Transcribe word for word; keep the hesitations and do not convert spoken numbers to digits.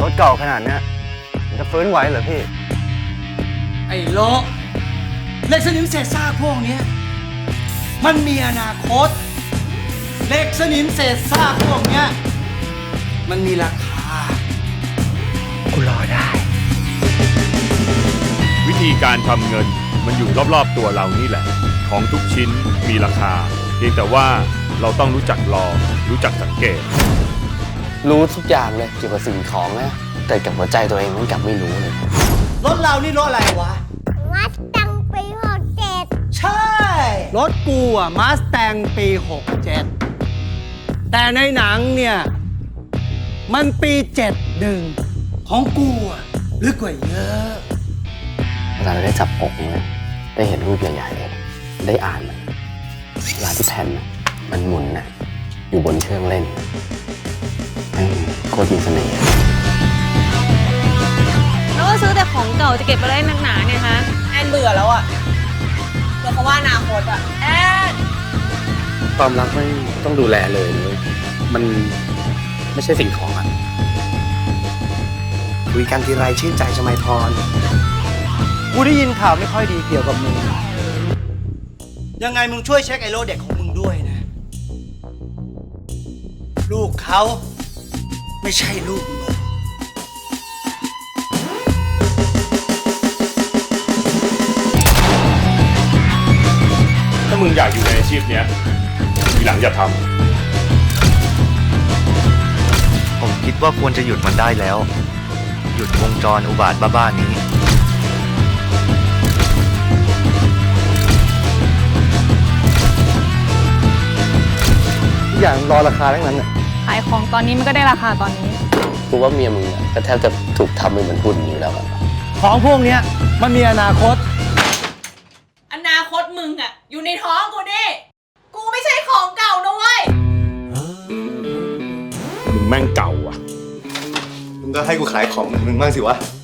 ถเก่าขนาดเนี้ยจะฟื้นไหวเหรอพี่ไอ้โลเหล็กสนิมเศษซากพวกนี้มันมีอนาคตเหล็กสนิมเศษซากพวกนี้มันมีราคากูรอได้วิธีการทำเงินมันอยู่รอบๆตัวเรานี่แหละของทุกชิ้นมีราคาเพียงแต่ว่าเราต้องรู้จักรอรู้จักสังเกตรู้ทุกอย่างเลยเกี่ยวกับสิ่งของนะแต่กับหัวใจตัวเองมันกลับไม่รู้เลยรถเรานี่รถอะไรวะมาสตังปีหกเจ็ดใช่รถกูอะมาสแตงปีหกเจ็ดแต่ในหนังเนี่ยมันปีเจ็ดหนึ่งของกูอะลึกกว่าเยอะเวลาเราได้จับอกเนี่ยได้เห็นรูปใหญ่ๆเลยได้อ่านมันเวลาที่แผ่นมันหมุนนะอยู่บนเครื่องเล่นโคตรมีเสน่ห์แล้วก็ซื้อแต่ของเก่าจะเก็บไปได้นักหนาเนี่ยฮะแอนเบื่อแล้วอ่ะเบื่อเขาว่าอนาคตอ่ะแอนความรักไม่ต้องดูแลเลยเลยมันไม่ใช่สิ่งของอ่ะคุยกันทีไรชื่นใจชมัยพรกูได้ยินข่าวไม่ค่อยดีเกี่ยวกับมึงยังไงมึงช่วยเช็คไอโลเด็กของมึงด้วยนะลูกเขาไม่ใช่ลูกมึงถ้ามึงอยากอยู่ในอาชีพเนี้ยทีหลังอย่าทำผมคิดว่าควรจะหยุดมันได้แล้วหยุดวงจรอุบาทบ้าๆนี้อย่างรอราคาทั้งนั้นน่ะขายของตอนนี้มันก็ได้ราคาตอนนี้กูว่าเมียมึงอ่ะก็แทบจะถูกทำเป็นเหมือนหุ่นอยู่แล้วอะของพวกเนี้ยมันมีอนาคตอนาคตมึงอ่ะอยู่ในท้องกูดิกูไม่ใช่ของเก่านะเว้ยมึงแม่งเก่าอ่ะมึงก็ให้กูขายของมึงบ้างสิวะ